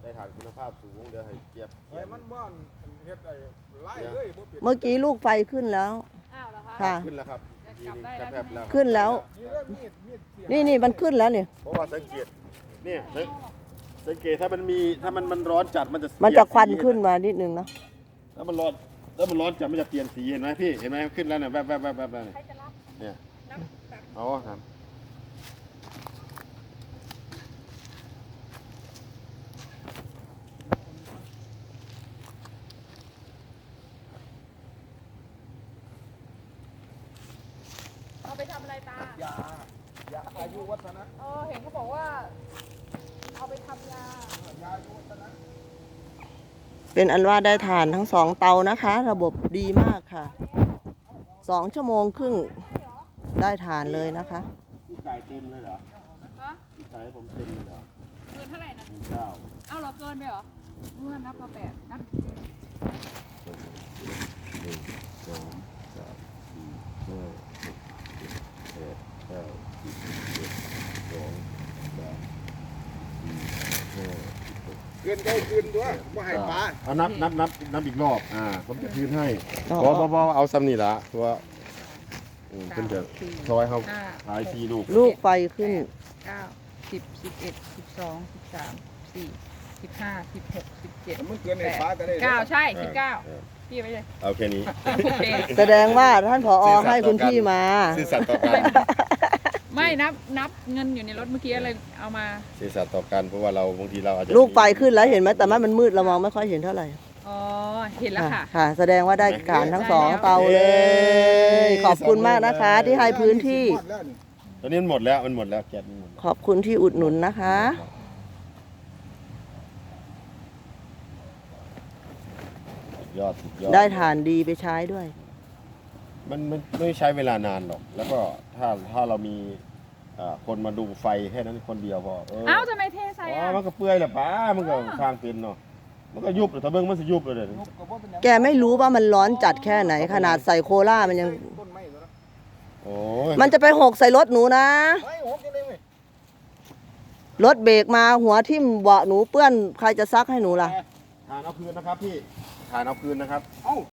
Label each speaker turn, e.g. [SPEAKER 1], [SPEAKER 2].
[SPEAKER 1] ได้ฐานคุณภาพสูงเดี๋ยวให้เจี๊ยบ
[SPEAKER 2] มันบ้านเฮ็ดไอ้ไล่เลยบ่ปิด
[SPEAKER 3] เมื่อกี้ลูกไฟขึ้นแล้ว
[SPEAKER 4] อ้าวเหรอคะ
[SPEAKER 3] ค่ะ
[SPEAKER 1] ขึ้นแล้วครับ
[SPEAKER 4] จับได้
[SPEAKER 1] กระ
[SPEAKER 4] แล้ว
[SPEAKER 1] แทบแล้ว
[SPEAKER 3] ขึ้นแล้ว
[SPEAKER 2] นี่เริ่มมีดเสีย
[SPEAKER 3] นี่มันขึ้นแล้วเนี่ย
[SPEAKER 1] เพราะว่าสังเกตเนี่ยสังเกตถ้ามันร้อนจัดมันจะ
[SPEAKER 3] มันจะควันขึ้นมานิดนึงเนาะ
[SPEAKER 1] ถ้ามันร้อนจัดมันจะเปลี่ยนสีเห็นไหมพี่เห็นไหมขึ้นแล้วเนี่ยแวบเนี่ย
[SPEAKER 4] ใครจะรับ
[SPEAKER 1] เนี่ย
[SPEAKER 4] รับแบบ
[SPEAKER 1] เอาครับ
[SPEAKER 4] เอาไปทำอะไรตา
[SPEAKER 2] ยาอายุวัฒนะ
[SPEAKER 4] เห็นเขาบอกว่า เอาไปทำยา
[SPEAKER 2] ยาอายุวัฒนะ
[SPEAKER 3] เป็นอันว่าได้ทานทั้งสองเตานะคะ ระบบดีมากค่ะ2 ชั่วโมงครึ่งได้ทานเลยนะคะ
[SPEAKER 1] พี่ไก่เต็มเลยเหรอ
[SPEAKER 4] ฮะ
[SPEAKER 1] พี่ไก่ผมเต็มเลยเหรอ
[SPEAKER 4] เกินเท่าไหร่นะ
[SPEAKER 1] เก้า
[SPEAKER 4] เอาเหรอเกินไปเหรอเมื่อนับมา8นับ
[SPEAKER 1] 1 2 3 4 5 6 7 8 9 10 11 12 13 14 15 16
[SPEAKER 2] เกินได้คืนตัวบ่ให้ปลา
[SPEAKER 1] เอานับอีกรอบผมจะคืนให้
[SPEAKER 3] อ๋อ
[SPEAKER 1] พอเอาซ้ำนี่ละเพราะว่าเพิ่นจะซอยเขาขายทีลูก
[SPEAKER 3] ลูกไฟขึ้น
[SPEAKER 4] 9 10 11 12 13 14 15 16 17
[SPEAKER 2] มันเกินให้ปลาก็ได้
[SPEAKER 4] 9ใช่19พี่ไปเลย
[SPEAKER 1] เอาแค่นี้
[SPEAKER 4] โอเค
[SPEAKER 3] แสดงว่าท่านผอให้คุณพี่มา
[SPEAKER 1] ซื่อสัตย์ต่อกัน
[SPEAKER 4] ไม่นับเงินอยู่ในรถเมื่อกี้อะไรเอามา
[SPEAKER 1] ซื่อสัตย์ต่อกันเพราะว่าเราบางทีเราอาจจะ
[SPEAKER 3] ลูกไฟขึ้นแล้วเห็นไหมแต่มันมืดเรามองไม่ค่อยเห็นเท่าไหร่
[SPEAKER 4] อ๋อ เห็นแล้วค่ะ
[SPEAKER 3] ค่ะ แสดงว่าได้การทั้งสองเตาเลย ขอบคุณมากนะคะ ที่ให้พื้นที่
[SPEAKER 1] ตอนนี้มันหมดแล้วแก๊สมันหมด
[SPEAKER 3] ขอบคุณที่อุดหนุนนะคะ
[SPEAKER 1] สุดยอด
[SPEAKER 3] ได้ฐานดีไปใช้ด้วย
[SPEAKER 1] มันไม่ใช้เวลานานหรอก แล้วก็ถ้าเรามีคนมาดูไฟแค่นั้นคนเดียวพอ
[SPEAKER 4] เอ้าทำไมเทใส่
[SPEAKER 1] อ๋อ
[SPEAKER 4] อ่ะ
[SPEAKER 1] มันก็เปื่อยแหละป้ามันก็ทางเป็นเนาะมันก็ยุบเลยถ้าเบิ่งมันสิยุบเลยเด้อ
[SPEAKER 3] แกไม่รู้ว่ามันร้อนจัดแค่ไหน ขนาดใส่โคล่ามันยัง
[SPEAKER 2] ต้นไม้ตัวนั้น
[SPEAKER 1] โอ้ย
[SPEAKER 3] มันจะไปหกใส่รถหนูนะ
[SPEAKER 2] ไม่หกจะได้ไหม
[SPEAKER 3] รถเบรกมาหัวทิ่มเบาะหนูเปื้อนใครจะซักให้หนูล่ะ
[SPEAKER 1] ทานเอาคืนนะครับพี่ทานเอาคืนนะครับ
[SPEAKER 2] เอ้า